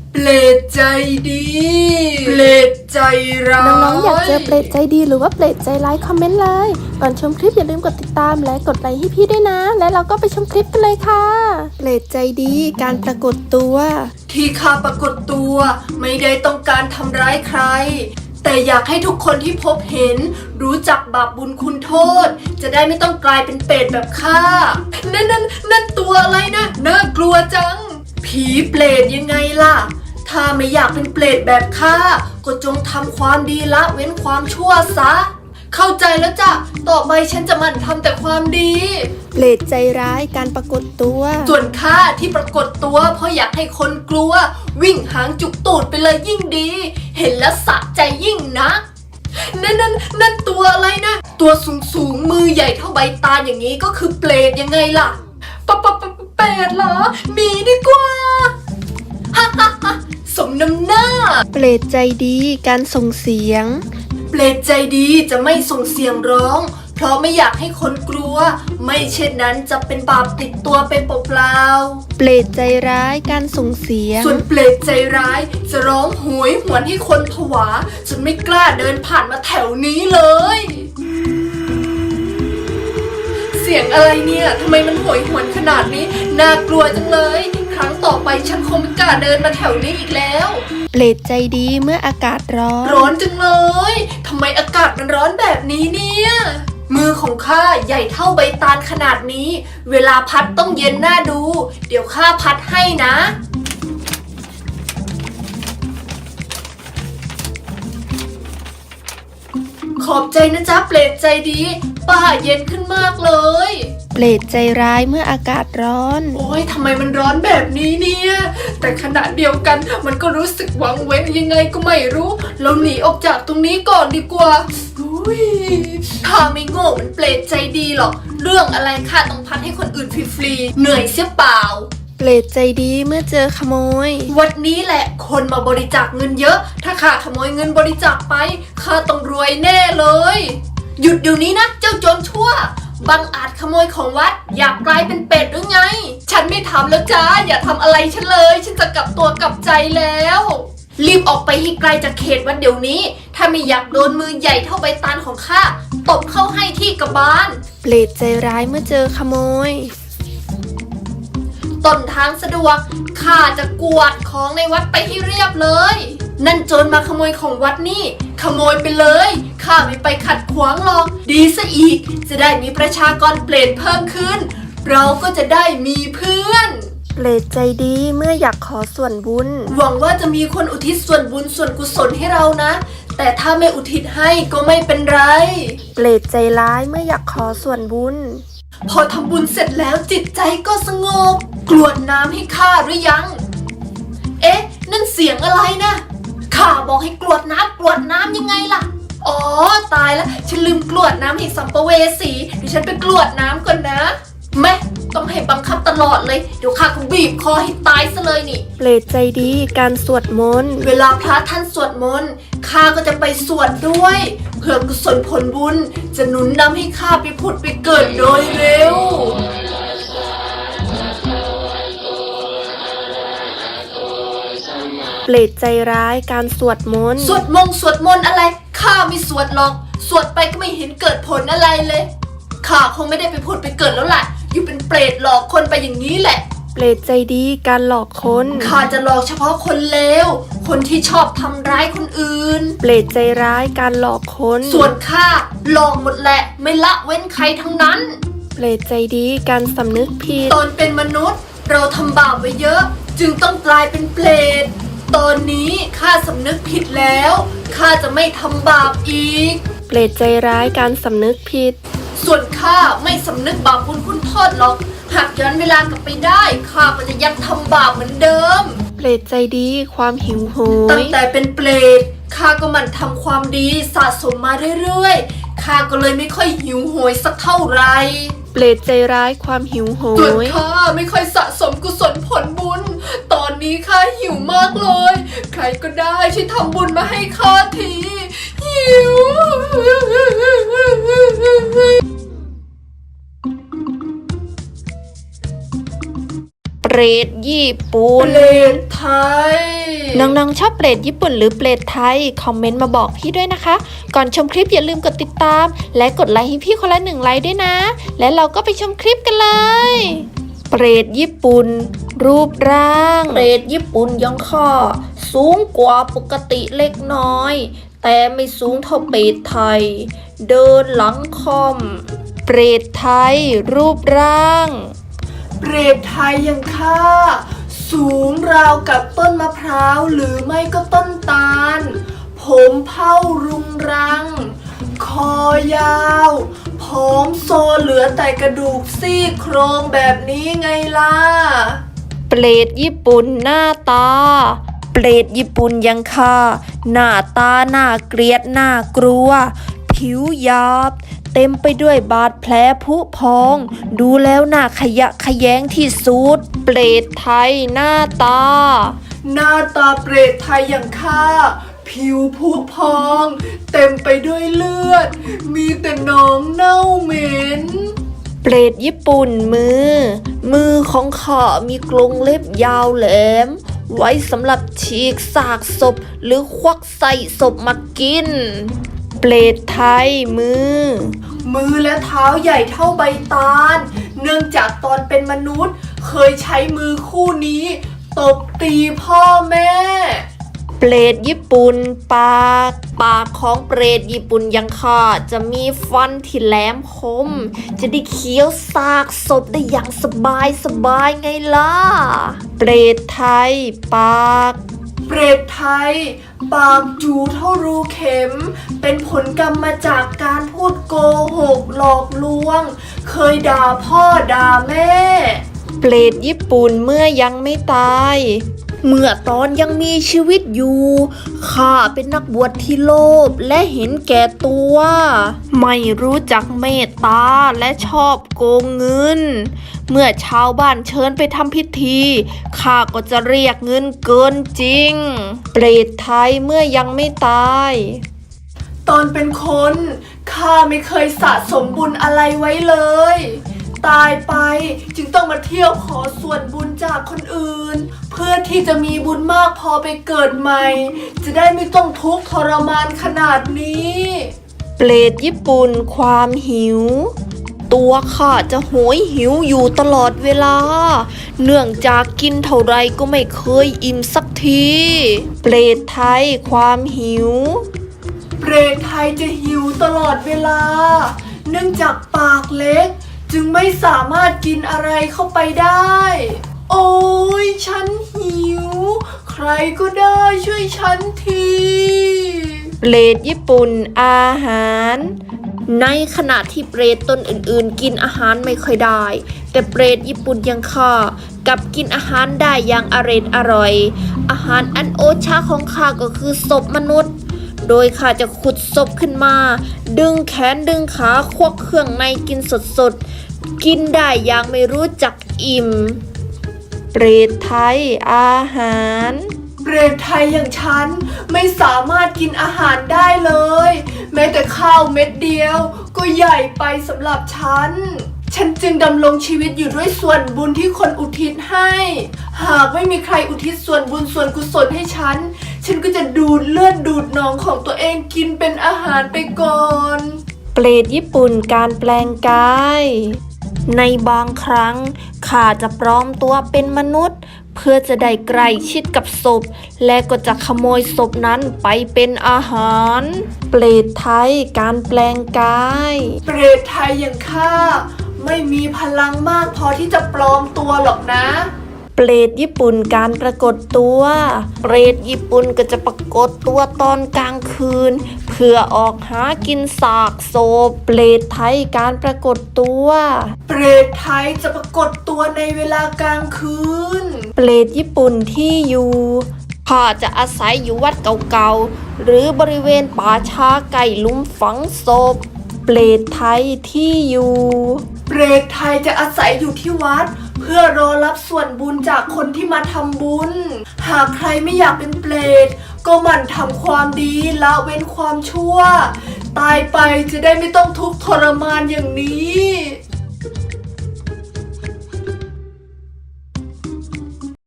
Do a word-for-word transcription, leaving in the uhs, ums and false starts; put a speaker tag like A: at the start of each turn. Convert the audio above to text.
A: เปรตใจดีเปรตใจร้าย
B: น้องๆอยากเจอเปรตใจดีหรือว่าเปรตใจร้ายคอมเมนต์เลยก่อนชมคลิปอย่าลืมกดติดตามและกดไลค์ให้พี่ด้วยนะและเราก็ไปชมคลิปกันเลยค่ะเปรตใจดีการปรากฏตัว
A: ที่ข้าปรากฏตัวไม่ได้ต้องการทำร้ายใครแต่อยากให้ทุกคนที่พบเห็นรู้จักบาปบุญคุณโทษจะได้ไม่ต้องกลายเป็นเปรตแบบข้านั่นนั่นนั่นตัวอะไรนะน่ากลัวจังผีเปรตยังไงล่ะถ้าไม่อยากเป็นเปรตแบบข้าก็จงทำความดีละเว้นความชั่วซะเข้าใจแล้วจ้ะต่อไปฉันจะหมั่นทำแต่ความดี
B: เปรตใจร้ายการปรากฏตัว
A: ส่วนข้าที่ปรากฏตัวเพราะอยากให้คนกลัววิ่งหางจุกตูดไปเลยยิ่งดีเห็นแล้วสะใจยิ่งนะนั่นนั่นนั่นตัวอะไรนะตัวสูงสูงมือใหญ่เท่าใบตาลอย่างนี้ก็คือเปรตยังไงล่ะปะปะปะเปรตเหรอมีดีกว่าฮ่าฮ่าฮ่าสมน้ำหน้า
B: เปรตใจดีการส่งเสียง
A: เปรตใจดีจะไม่ส่งเสียงร้องเพราะไม่อยากให้คนกลัวไม่เช่นนั้นจะเป็นบาปติดตัวไปเปล่า
B: ๆเปรตใจร้ายการส่งเสียง
A: ส่วนเปรตใจร้ายจะร้องโหยหวนให้คนผวาจนไม่กล้าเดินผ่านมาแถวนี้เลยเสียงอะไรเนี่ยทำไมมันโหยหวนขนาดนี้น่ากลัวจังเลยครั้งต่อไปฉันคงไม่กล้าเดินมาแถวนี้อีกแล้ว
B: เปรตใจดีเมื่ออากาศร้อน
A: ร้อนจังเลยทำไมอากาศมันร้อนแบบนี้เนี่ยมือของข้าใหญ่เท่าใบตาลขนาดนี้เวลาพัดต้องเย็นน่าดูเดี๋ยวข้าพัดให้นะขอบใจนะจ๊ะเปรตใจดีป้าเย็นขึ้นมากเลย
B: เปรตใจร้ายเมื่ออากาศร้อน
A: โอ้ยทำไมมันร้อนแบบนี้เนี่ยแต่ขณะเดียวกันมันก็รู้สึกวังเว้งยังไงก็ไม่รู้เราหนีออกจากตรงนี้ก่อนดีกว่าอุ้ยข้าไม่โง่มันเปรตใจดีหรอกเรื่องอะไรข้าต้องพัดให้คนอื่นฟรีๆเหนื่อยเสียเปล่า
B: เปรตใจดีเมื่อเจอขโมย
A: วันนี้แหละคนมาบริจาคเงินเยอะถ้าข้าขโมยเงินบริจาคไปข้าต้องรวยแน่เลยหยุดเดี๋ยวนี้นะเจ้าโจรชั่วบังอาจขโมยของวัดอยากกลายเป็นเป็ดหรือไงฉันไม่ทำแล้วจ้าอย่าทำอะไรฉันเลยฉันจะกลับตัวกลับใจแล้วรีบออกไปให้ไกลจากเขตวัดเดี๋ยวนี้ถ้าไม่อยากโดนมือใหญ่เท่าใบตาลของข้าตบเข้าให้ที่กระบาล
B: เปรตใจร้ายเมื่อเจอขโมย
A: ต้นทางสะดวกข้าจะกวาดของในวัดไปให้เรียบเลยนั่นโจรมาขโมยของวัดนี่ขโมยไปเลยข้าไม่ไปขัดขวางหรอกดีซะอีกจะได้มีประชากรเปรตเพิ่มขึ้นเราก็จะได้มีเพื่อน
B: เปรตใจดีเมื่ออยากขอส่วนบุญ
A: หวังว่าจะมีคนอุทิศส่วนบุญส่วนกุศลให้เรานะแต่ถ้าไม่อุทิศให้ก็ไม่เป็นไร
B: เปรตใจร้ายเมื่ออยากขอส่วนบุญ
A: พอทำบุญเสร็จแล้วจิตใจก็สงบกรวดน้ำให้ข้าหรือยังเอ๊ะนั่นเสียงอะไรนะข้าบอกให้กรวดน้ำกรวดน้ำยังไงล่ะอ๋อตายแล้วฉันลืมกรวดน้ำให้สัมภเวสีเดี๋ยวฉันไปกรวดน้ำก่อนนะแม่ต้องให้บังคับตลอดเลยเดี๋ยวข้าก็บีบคอให้ตายซะเลยนี่
B: เปรตใจดีการสวดมนต์
A: เวลาพระท่านสวดมนต์ข้าก็จะไปสวดด้วยเพื่อกุศลผลบุญจะหนุนนำให้ข้าไปผุดไปเกิดโดยเร็ว
B: เปรตใจร้ายการสวดมนต์
A: สวดมงสวดมนต์อะไรข้าไม่สวดหรอกสวดไปก็ไม่เห็นเกิดผลอะไรเลยข้าคงไม่ได้ไปผุดไปเกิดแล้วแหละอยู่เป็นเปรตหลอกคนไปอย่างนี้แหละ
B: เปรตใจดีการหลอกคน
A: ข้าจะหลอกเฉพาะคนเลวคนที่ชอบทำร้ายคนอื่น
B: เปรตใจร้ายการหลอกคน
A: ส่วนข้าหลอกหมดแหละไม่ละเว้นใครทั้งนั้น
B: เปรตใจดีการสำนึกผิด
A: ตอนเป็นมนุษย์เราทำบาปไว้เยอะจึงต้องกลายเป็นเปรตตอนนี้ข้าสำนึกผิดแล้วข้าจะไม่ทำบาปอีก
B: เปรตใจร้ายการสำนึกผิด
A: ส่วนข้าไม่สำนึกบาปบุญคุณโทษหรอกหากย้อนเวลากลับไปได้ข้าก็จะยังทำบาปเหมือนเดิม
B: เปรตใจดีความหิวโหย
A: ตั้งแต่เป็นเปรตข้าก็หมั่นทำความดีสะสมมาเรื่อยๆข้าก็เลยไม่ค่อยหิวโหยสักเท่าไหร่
B: เปรตใจร้ายความหิวโหย
A: ส่วนข้าไม่ค่อยสะสมกุศลผลบุญตอนนี้ข้าหิวมากเลยใครก็ได้ช่วยทำบุญมาให้ข้าทีหิว
B: เปรตญี่ปุ่น
A: เปรตไทย
B: น้องๆชอบเปรตญี่ปุ่นหรือเปรตไทยคอมเมนต์มาบอกพี่ด้วยนะคะก่อนชมคลิปอย่าลืมกดติดตามและกดไลค์ให้พี่คนละหนึ่งไลค์ด้วยนะและเราก็ไปชมคลิปกันเลยเปรตญี่ปุ่นรูปร่างเปรตญี่ปุ่นยังค่าสูงกว่าปกติเล็กน้อยแต่ไม่สูงเท่าเปรตไทยเดินหลังค่อมเปรตไทยรูปร่าง
A: เปรตไทยยังค่าสูงราวกับต้นมะพร้าวหรือไม่ก็ต้นตาลผมเผ้ารุงรังคอยาวผอมโซเหลือแต่กระดูกซี่โครงแบบนี้ไงล่ะ
B: เปรตญี่ปุ่นหน้าตาเปรตญี่ปุ่นยังค่าหน้าตาหน้าเกลียดหน้ากลัวผิวหยาบเต็มไปด้วยบาดแผลผุพองดูแล้วน่าขยะแขยงที่สุดเปรตไทยหน้าตา
A: หน้าตาเปรตไทยอย่างข้าผิวผุพองเต็มไปด้วยเลือดมีแต่หนองเน่าเหม็น
B: เปรตญี่ปุ่นมือมือของข้ามีกรงเล็บยาวแหลมไว้สำหรับฉีกซากศพหรือควักใส่ศพมากินเปรตไทยมือ
A: มือและเท้าใหญ่เท่าใบตาลเนื่องจากตอนเป็นมนุษย์เคยใช้มือคู่นี้ตบตีพ่อแม่
B: เปรตญี่ปุ่นปากปากของเปรตญี่ปุ่นยังค่ะจะมีฟันที่แหลมคมจะได้เคี้ยวซากศพได้อย่างสบายสบายไงล่ะเปรตไทยปาก
A: เปรตไทยปากจูเท่ารูเข็มเป็นผลกรรมมาจากการพูดโกหกหลอกลวงเคยด่าพ่อด่าแม่
B: เปรตญี่ปุ่นเมื่อยังไม่ตายเมื่อตอนยังมีชีวิตอยู่ข้าเป็นนักบวชที่โลภและเห็นแก่ตัวไม่รู้จักเมตตาและชอบโกงเงินเมื่อชาวบ้านเชิญไปทำพิธีข้าก็จะเรียกเงินเกินจริงเปรตไทยเมื่อยังไม่ตาย
A: ตอนเป็นคนข้าไม่เคยสะสมบุญอะไรไว้เลยตายไปจึงต้องมาเที่ยวขอส่วนบุญจากคนอื่นเพื่อที่จะมีบุญมากพอไปเกิดใหม่จะได้ไม่ต้องทุกข์ทรมานขนาดนี้
B: เปรตญี่ปุ่นความหิวตัวข้าจะโหยหิวอยู่ตลอดเวลาเนื่องจากกินเท่าไรก็ไม่เคยอิ่มสักทีเปรตไทยความหิว
A: เปรตไทยจะหิวตลอดเวลาเนื่องจากปากเล็กจึงไม่สามารถกินอะไรเข้าไปได้โอ้ยฉันหิวใครก็ได้ช่วยฉันที
B: เปรตญี่ปุ่นอาหารในขณะที่เปรตตนอื่นๆกินอาหารไม่ค่อยได้แต่เปรตญี่ปุ่นยังข้ากับกินอาหารได้อย่างอร็ดอร่อยอาหารอันโอชาของข้าก็คือศพมนุษย์โดยข้าจะขุดศพขึ้นมาดึงแขนดึงขาควักเครื่องในกินสดๆกินได้อย่างไม่รู้จักอิ่มเปรตไทยอาหาร
A: เปรตไทยอย่างฉันไม่สามารถกินอาหารได้เลยแม้แต่ข้าวเม็ดเดียวก็ใหญ่ไปสำหรับฉันฉันจึงดำรงชีวิตอยู่ด้วยส่วนบุญที่คนอุทิศให้หากไม่มีใครอุทิศส่วนบุญส่วนกุศลให้ฉันฉันก็จะดูดเลือดดูดหนองของตัวเองกินเป็นอาหารไปก่อน
B: เปรตญี่ปุ่นการแปลงกายในบางครั้งข้าจะปลอมตัวเป็นมนุษย์เพื่อจะได้ใกล้ชิดกับศพและก็จะขโมยศพนั้นไปเป็นอาหารเปรตไทยการแปลงกาย
A: เปรตไทยอย่างข้าไม่มีพลังมากพอที่จะปลอมตัวหรอกนะ
B: เปรตญี่ปุ่นการปรากฏตัวเปรตญี่ปุ่นก็จะปรากฏตัวตอนกลางคืนเพื่อออกหากินซากศพเปรตไทยการปรากฏตัว
A: เปรตไทยจะปรากฏตัวในเวลากลางคืน
B: เปรตญี่ปุ่นที่อยู่ข้าจะอาศัยอยู่วัดเก่าๆหรือบริเวณป่าช้าไก่ลุ่มฝังศพเปรตไทยที่อยู่
A: เปรตไทยจะอาศัยอยู่ที่วัดเพื่อรอรับส่วนบุญจากคนที่มาทำบุญหากใครไม่อยากเป็นเปรตก็หมั่นทำความดีละเว้นความชั่วตายไปจะได้ไม่ต้องทุกข์ทรมานอย่างนี้